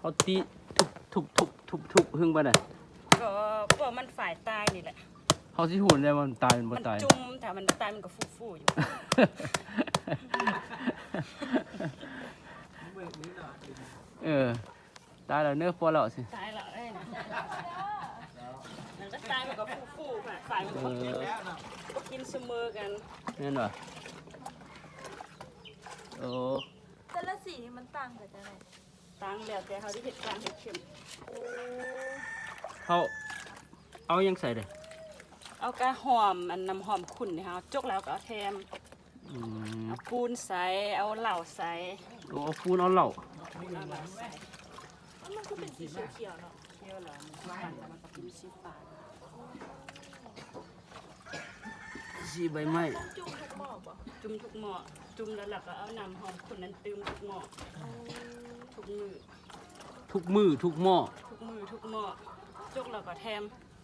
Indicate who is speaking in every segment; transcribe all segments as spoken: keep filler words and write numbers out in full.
Speaker 1: เขาตีทุบทุบทุบทุบทุบหึงไปน่ะ
Speaker 2: ก็พวกมันฝ่ายตายนี่แหละ
Speaker 1: เขาสิหูได้ว่ามันตายมันบ่
Speaker 2: มัน
Speaker 1: ตาย
Speaker 2: จุ่มแต่มันตายมันก็ฟูๆอยู่
Speaker 1: เออตายแล้วเนื้อพอแล้วสิ
Speaker 2: ตายแล้วได้นะมันก็ตายมันก็ฟูๆฝ่ายฝ่ายมันก็กินก็กินเสมอกัน
Speaker 1: แม่นบ่โอ้
Speaker 3: แต่ละสีนี่มันต่างกันจังได๋
Speaker 2: ตังแล้วแต่เขาที่เห็ดการเห็ดเข็ม
Speaker 1: เขาเอายังใส่เด้
Speaker 2: เอากระหอมอันน้ำหอมขุ่นนี่ค่ะจกแล้วก็เอาแทม
Speaker 1: อืม
Speaker 2: เอาปูนใส่เอาเหล้าใส่
Speaker 1: โอ้เอาฟูนเอาเหล้า
Speaker 2: เอาเหล้าใส่
Speaker 3: มันก็เป็นสีเขียวๆเนาะ
Speaker 2: เคี่ยวแล้วมันปั่นแล้วมันก็เป็นสีฟ้า
Speaker 1: สีใบไม้
Speaker 3: จุ่มทุกหม้อบ่
Speaker 2: จุ่มทุกหม้อจุ่มแล้วเราก็เอาน้ำหอมขุ่นนั้นตืมทุกหม้อทุกมือ
Speaker 1: ทุกมือทุกหม้อ
Speaker 2: ทุกมือทุกหม้อจกแล้วก็แทม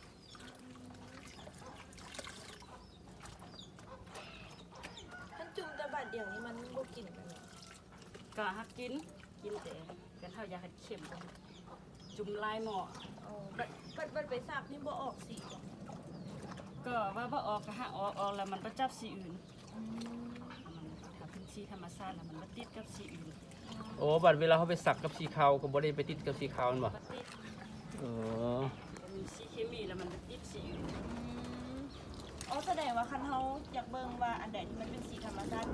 Speaker 3: ท่านจุ่มแต่บาดเดียวนี่มันบ่กินกันเนาะ
Speaker 2: ก็หักกินกินแต่กันเท่าอยาเห็ดเข็มจุ่มลายหม้อ
Speaker 3: อ๋อบัดบัดบัดไปซักนี่บ่ออกสีบ่
Speaker 2: ก็ว่าบ่ออกก็หาออกออกแล้วมันประจับสีอื่นมันถ้าเป็นสีธรรมชาติแล้วมันบ่ติดกับสีอื่น
Speaker 1: โอ้บัดเวลาเขาไปสักกับสีขาวก็บ่ได้ไปติดกับสีขาวนั่นบ่
Speaker 2: บ่ติด
Speaker 1: เออ
Speaker 2: มีสีเคมีแล้วมันบ่ติดสีอื่น
Speaker 3: อ๋อแสดงว่าคันเฮาอยากเบิ่งว่าอันใดที่มันเป็นสีธรรมชาติ